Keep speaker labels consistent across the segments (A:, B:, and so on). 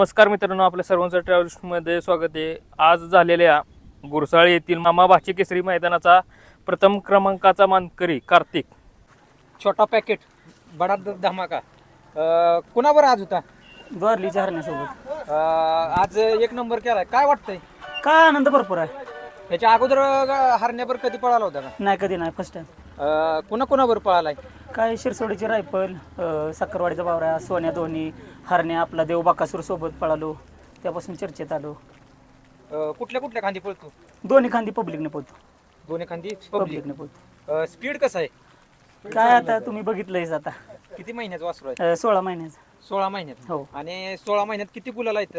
A: नमस्कार मित्रांनो, आपल्या सर्वांचं ट्रॅव्हल्समध्ये स्वागत आहे. आज झालेल्या गुरसाळे येथील मामा भाची केसरी मैदानाचा प्रथम क्रमांकाचा मानकरी कार्तिक.
B: छोटा पॅकेट बडा धमाका कुणावर आज होता?
C: द्वारलीच्या हरण्यासोबत
B: आज एक नंबर केलाय. काय वाटतंय?
C: काय आनंद भरपूर आहे.
B: ह्याच्या अगोदर हरण्यावर कधी पळाला होता का?
C: नाही कधी नाही, फर्स्ट टाइम.
B: कुणावर पळालाय?
C: काय शिरसोडीची रायफल, सक्करवाडीचा बावरा, सोन्या दोन्ही, हरण्या आपला देव बाकासूर सोबत पळालो, त्यापासून चर्चेत आलो.
B: कुठल्या खांदी पळतो?
C: दोन्ही खांदी पब्लिकने पोहतो.
B: दोन्ही खांदी
C: पब्लिकने पोहतो.
B: स्पीड कसं आहे?
C: काय आता तुम्ही बघितलंयच आता.
B: किती महिन्याचं वासरू आहे?
C: 16 महिन्याचा.
B: 16 महिन्यात.
C: हो.
B: आणि 16 महिन्यात किती गुलाल आहेत?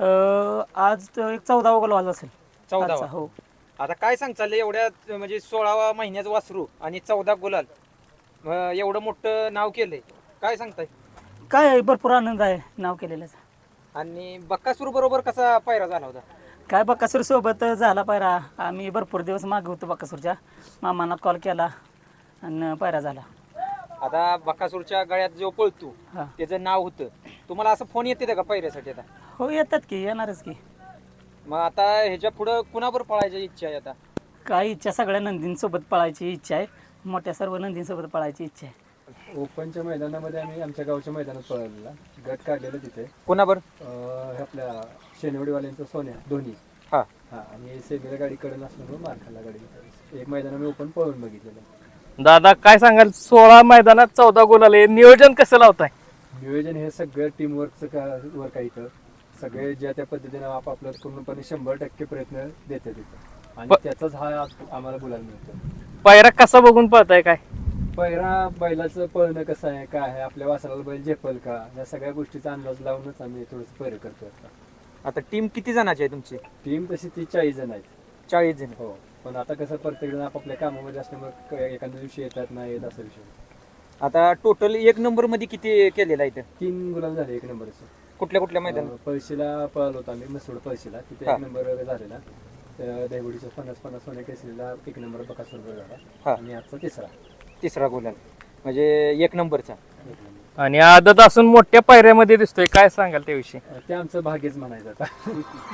C: आज तर एक 14वा गोल वाजला असेल.
B: 14वा.
C: हो.
B: आता काय सांगचाल एवढ्या म्हणजे 16 महिन्याचं वासरू आणि 14 गुलाल, एवढं मोठं नाव केलंय, काय सांगताय?
C: काय भरपूर आनंद आहे नाव केलेल्याचा.
B: आणि बक्कासूर बरोबर कसा पायरा झाला होता?
C: काय बकासूर सोबत झाला पायरा. आम्ही भरपूर दिवस मागे होतो बकासूरच्या. मामांना कॉल केला आणि पायरा झाला.
B: आता बकासूरच्या गळ्यात जो पळतो
C: हा.
B: त्याचं नाव होतं. तुम्हाला असं फोन येते का पायऱ्यासाठी आता?
C: हो, येतात की, येणारच की.
B: मग आता ह्याच्या पुढं कुणावर पळायची इच्छा आहे आता?
C: काय इच्छा, सगळ्या नंदींसोबत पळायची इच्छा आहे. मोठ्या सर्व नंदींसोबत पळायची इच्छा आहे.
D: ओपनच्या मैदानामध्ये आम्ही आमच्या गावच्या मैदानात पळवलेला गट काढलेला तिथे.
B: कुणावर?
D: हे आपल्या शेनवडीवाल्यांचं सोन्या दोन्ही.
B: हा.
D: हा, आणि सेमीला गाडी कडून असल्यामुळे मार खाल्ला गाडी. एक मैदान आम्ही ओपन पळवून बघितलेलं.
A: दादा काय सांगाल, 16 मैदानात 14 गोल आले, नियोजन कसं लावताय?
D: नियोजन हे सगळं टीमवर्कचं वर्क आहे इथं. सगळे ज्या त्या पद्धतीने आपापलं पूर्णपणे 100% प्रयत्न देतात तिथं, आणि त्याचाच हा आम्हाला बोलायला मिळतो.
A: पायरा कसा बघून पळताय काय?
D: पहिला बैलाचं पळणं कसं आहे, काय आहे, आपल्या वासराला बैल झेपल का, या सगळ्या गोष्टीचा अंदाज लावूनच आम्ही थोडंसं पैर करतो.
B: आता टीम किती जणांची आहे तुमची?
D: टीम तशी 40 जण आहेत.
B: 40 जण.
D: हो, पण आता कसं प्रत्येक जण आपापल्या कामामध्ये असल्यामुळे एखाद्या दिवशी येतात नाही येत असा विषय.
B: आता टोटल एक नंबर मध्ये किती केलेला आहे इथं?
D: 3 गुलाम झाले एक नंबरचे.
B: कुठल्या मैदान?
D: पळशीला पळालो होतो आम्ही, मसूड पळशीला, तिथे
B: हा.
D: 1 नंबर झालेला. देवडीच्या 50-50 सोन्या केसरीला 1 नंबर बकासूर झाला.
B: हा.
D: आणि आजचा
B: तिसरा गुलाल म्हणजे एक नंबरचा.
D: 1 नंबर.
A: आणि आदत असून मोठ्या पायऱ्यामध्ये दिसतोय, काय सांगाल त्याविषयी?
D: ते आमचं भाग्यच म्हणायचं आता.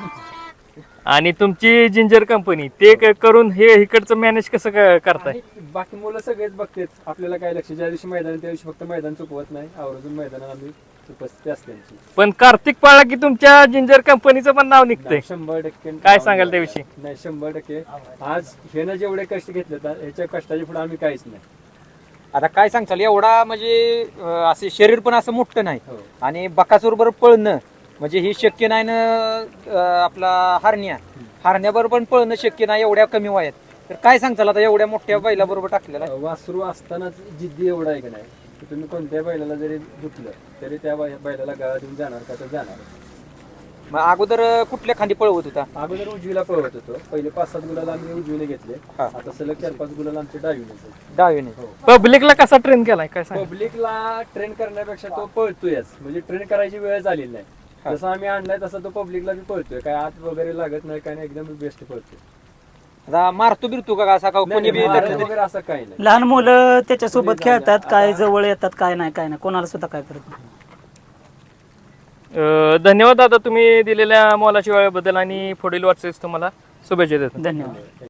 A: आणि तुमची जिंजर कंपनी ते करून हे इकडचं मॅनेज कसं करताय?
D: आणि बाकी मुलं सगळेच बघतात, आपल्याला काय लक्ष, ज्या दिवशी मैदान त्या दिवशी फक्त मैदान चुकवत नाही, आवर्जून मैदानात आम्ही उपस्थित असते आमची.
A: पण कार्तिक पाळला की तुमच्या जिंजर कंपनीचं पण नाव निघतंय.
D: 100%
A: काय सांगाल त्याविषयी?
D: नाही, 100%. आज हे ना जेवढे कष्ट घेतले ह्याच्या कष्टाच्या पुढे आम्ही काहीच नाही.
B: आता काय सांगचाल, एवढा म्हणजे असे शरीर पण असं मोठं नाही,
D: हो.
B: आणि बकासूरबरोबर पळणं म्हणजे हे शक्य नाही ना. आपला हरण्याबरोबर पण पळणं शक्य नाही एवढ्या कमी वयात. तर काय सांगताल आता एवढ्या मोठ्या बैलाबरोबर टाकलेला?
D: वासरू असतानाच जिद्दी एवढा आहे की नाही, की तुम्ही कोणत्या बैलाला जरी दुखलं तरी त्या बैलाला गाळा देऊन जाणार का तर जाणार.
B: मग अगोदर कुठल्या खांदी पळवत होता?
D: अगोदर उजवीला पळवत होतो. पहिले 5-7 गुलाल आम्ही उजवीने घेतले.
B: हा.
D: आता सलग 4-5 गुलाल आमचे डावीने.
B: डावीने.
A: पब्लिकला कसा ट्रेन केलाय, काय सांग?
D: पब्लिकला ट्रेन करण्यापेक्षा तो पळतोयच, म्हणजे ट्रेन करायची वेळ झालेली नाही. जसं आम्ही आणलाय तसं तो पब्लिकला बी पळतोय, काय आत वगैरे लागत नाही, काय नाही, एकदम बेस्ट पळतोय.
B: आता मारतो बिरतो का असा का कोणी बी
D: मारत
B: धरलं तरी?
D: वगैरे असं काही नाही.
C: लहान मुलं त्याच्यासोबत खेळतात, काय जवळ येतात, काय नाही कोणाला सुद्धा काय करत नाही.
A: धन्यवाद दादा, तुम्ही दिलेल्या मोलाच्या वेळेबद्दल आणि पुढील वाटचालीस तुम्हाला शुभेच्छा देतो.
C: धन्यवाद.